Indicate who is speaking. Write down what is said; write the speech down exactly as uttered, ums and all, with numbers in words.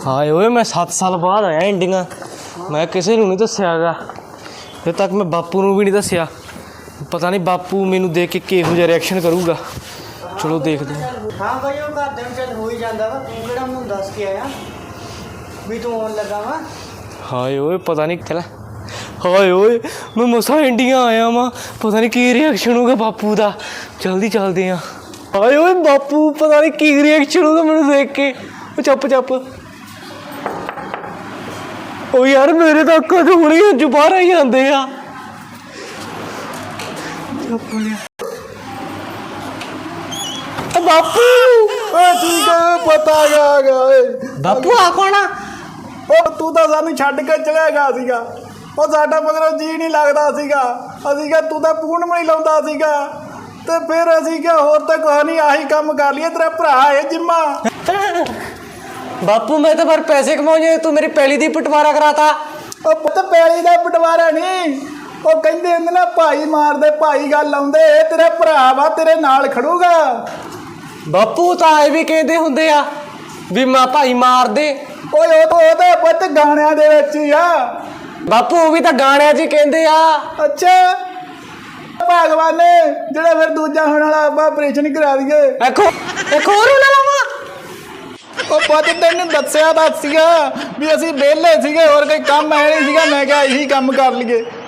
Speaker 1: हाय ओए मैं सत्त साल बाद आया इंडिया। मैं किसी नूं नहीं दस्सियागा, अजे तक मैं बापू नूं भी नहीं दस्सिया। पता नहीं बापू मैनू देख के किहो जिहा रिएक्शन करूगा। चलो देखते हैं।
Speaker 2: हाँ भाई वो घर दे चल हो ही जाता वा, तू किहड़ा मैनूं दस के आया भी तू आउण लगा वा।
Speaker 1: हाय ओए पता नहीं चला। हाय ओए मैं मसा इंडिया आया वां, पता नहीं की रिएक्शन होगा बापू का। जल्दी चलते हैं। हाय ओए बापू पता नहीं की रिएक्शन होगा मैनू देख के। चुप चुप ओ यार मेरे तो अक्कां चों हुणे हंझू बाहर आई जांदे आ। बापू
Speaker 3: ठीक है पता आ गया।
Speaker 1: बापू आ कौन आ?
Speaker 3: ਉਹ ਤੂੰ ਤਾਂ ਸਾਨੂੰ ਛੱਡ ਕੇ ਚਲਿਆ ਗਿਆ ਸੀਗਾ। ਉਹ ਸਾਡਾ ਮਗਰੋਂ ਜੀ ਨਹੀਂ ਲੱਗਦਾ ਸੀਗਾ। ਅਸੀਂ ਕਿਹਾ ਤੂੰ ਤਾਂ ਪੂਰਨ ਨਹੀਂ ਲਾਉਂਦਾ ਸੀਗਾ ਤੇ ਫਿਰ ਅਸੀਂ ਕਿਹਾ ਹੋਰ ਤਾਂ ਕੁਛ ਨਹੀਂ, ਆਹੀ ਕੰਮ ਕਰ ਲਈਏ। ਤੇਰਾ ਭਰਾ ਹੈ ਜਿੰਮਾ।
Speaker 1: बापू मैं तो पर पैसे कमाऊं, तू मेरी पैली दी बंटवारा कराता।
Speaker 3: ਉਹ ਪੁੱਤ ਪੈਲੀ ਦਾ ਬਟਵਾਰਾ ਨਹੀਂ, ਉਹ ਕਹਿੰਦੇ ਹੁੰਦੇ ਨਾ ਭਾਈ ਮਾਰਦੇ ਭਾਈ ਗੱਲ ਆਉਂਦੇ। ਤੇਰਾ ਭਰਾ ਵਾ ਤੇਰੇ ਨਾਲ ਖੜੂਗਾ।
Speaker 1: बापू तो आए भी कहते होंगे आ भी मां भाई मार दे।
Speaker 3: ਓਏ ਉਹ ਉਹ ਤਾਂ ਪੁੱਤ ਗਾਣਿਆਂ ਦੇ ਵਿੱਚ ਹੀ ਆ।
Speaker 1: बापू वो भी तो गाने च कहते आ।
Speaker 3: ਅੱਛਾ ਭਗਵਾਨ ਨੇ ਜਿਹੜਾ ਫਿਰ ਦੂਜਾ ਹੋਣ ਵਾਲਾ ਆਪਾਂ ਆਪਰੇਸ਼ਨ ਕਰਾ ਦਈਏ।
Speaker 1: एक एक और होने लगा।
Speaker 3: ਉਹ ਪੁੱਤ ਤੈਨੂੰ ਦੱਸਿਆ ਤਾਂ ਸੀਗਾ ਵੀ ਅਸੀਂ ਵਿਹਲੇ ਸੀਗੇ, ਹੋਰ ਕੋਈ ਕੰਮ ਹੈ ਨਹੀਂ ਸੀਗਾ। ਮੈਂ ਕਿਹਾ ਇਹੀ ਕੰਮ ਕਰ ਲਈਏ।